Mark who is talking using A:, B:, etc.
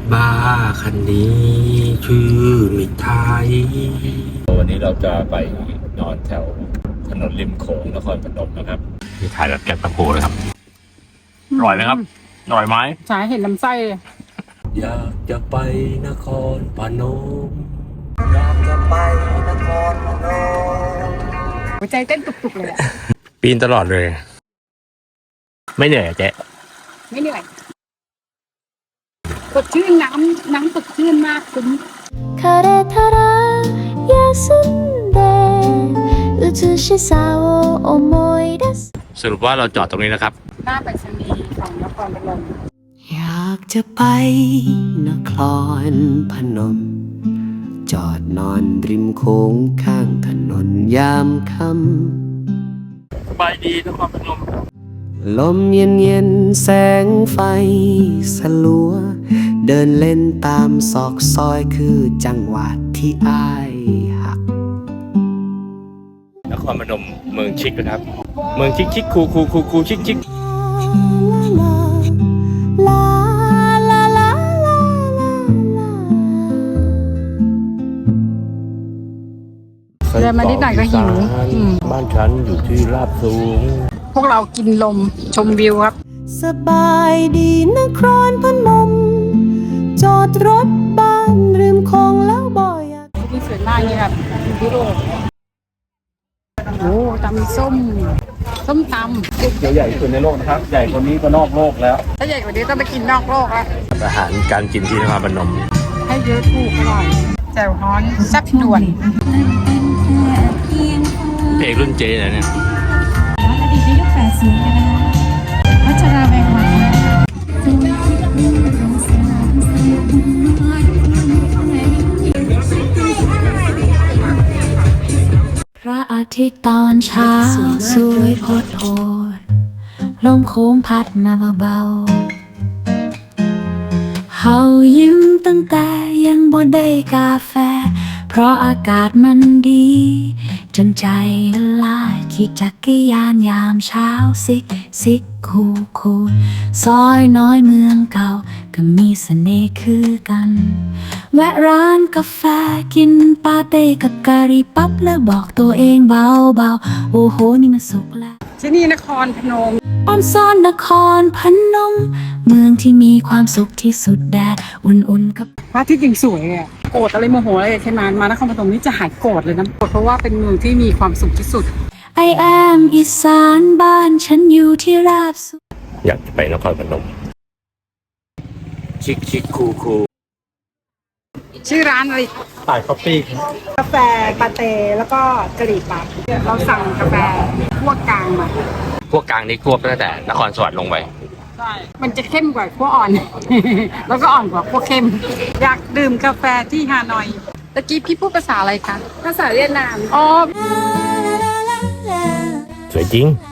A: บ้าคันนี้ชื่อมิตรไทย
B: วันนี้เราจะไปนอนแถวถนนริมโขงนครพนมนะครับที่ถ่ายแบบแกะตะโพเลยครับอร่อยไหมครับอร่อยไหม
C: ใช่เห็นลำไส้
A: อยากจะไปนครพนมอยากจะไปนครพนม
C: หัวใจเต้นตุกๆเลยอะ
B: ปีนตลอดเลยไม่เหนื่อยเจ๊
C: ไม่เหนื่อยสดชื่นน้ำสดชื่นมากคุ้ม
B: สรุปว่าเราจอดตรงนี้นะครับ
C: หน้าไปรษณีย์ของนครพนม
D: อยากจะไปนครพนมจอดนอนริมโค้งข้างถนนยามค่
B: ำสบายดีนครพนม
D: ลมเย็นแสงไฟสลัวเดินเล่นตามซอกซอยคือจังหวัดที่อ้ายหัก
B: นครพนมเมืองชิคนะครับเมืองชิคชิคคูชิคชิค
C: เดินมานิดหน่อยก็หิว
A: บ้านฉันอยู่ที่ราบสูง
C: พวกเรากินลมชมวิวครับ
D: สบายดีนครพนมจอดรถบ้านริมคลองแล้วบ่อย
C: ที่สวยมากนี่ครับยุโรปโอ้ตำส้มตำ
B: เดี๋ยวใหญ่สุดในโลกนะครับใหญ่กว่านี้ก็นอกโลกแล้ว
C: ถ้าใหญ่กว่านี้ต้องไปกินนอกโลกแล้ว
B: อาหารการกินที่นครพนม
C: ให้เยอะถูกอร่อยแจ่วฮ้อนแซ่บด่วน
B: เพลงรุ่นเจเลยเนี่ย
E: อดีตในยุค80กันนะคะวัชราแวงวันพระอาทิตย์ตอนเช้าสวยโพดโพดลมโค้งพัดมาเบาๆเฮายิ้มตั้งแต่ยังบ่ได้กาแฟเพราะอากาศมันดีจนใจละลายขี่จักรยานยามเช้าซิกคูซอยน้อยเมืองเก่าก็มีเสน่ห์คือกันแวะร้านกาแฟกินปาเต้กับกะหรี่ปั๊บแล้วบอกตัวเองเบาๆโอ้โหนี่มันสุขแล้ว
C: ที่นี่นครพนม
E: ออนซ่อนนครพนมเมืองที่มีความสุขที่สุดแดดอุ่นๆกับ
C: พระอาทิตย์ยังสวยอ่ะโกรธอะไรโมโหอะไรใช่ไหมมานครพนมนี่จะหายโกรธเลยนะโกรธเพราะว่าเป็นเมืองที่มีความสุขที่สุด
E: I am อีสานบ้านฉันอยู่ที่ราบสูง
B: อยากจะไปนครพนมชิคคู
C: ชื่อร้านอะไร
B: สายคอฟฟี่
C: กาแฟปาเต้แล้วก็กะหรี่ปั๊บเราสั่งกาแฟคั่วกลางมา
B: พวกกลางนี่ควบตั้งแต่นครสวรรค์ลงไป
C: ใช่มันจะเข้มกว่าคั่วอ่อน แล้วก็อ่อนกว่าคั่วเข้มอยากดื่มกาแฟที่ฮานอยตะกี้พี่พูดภาษาอะไรคะภาษาเวียดนามอ๋อ
B: สวยจริง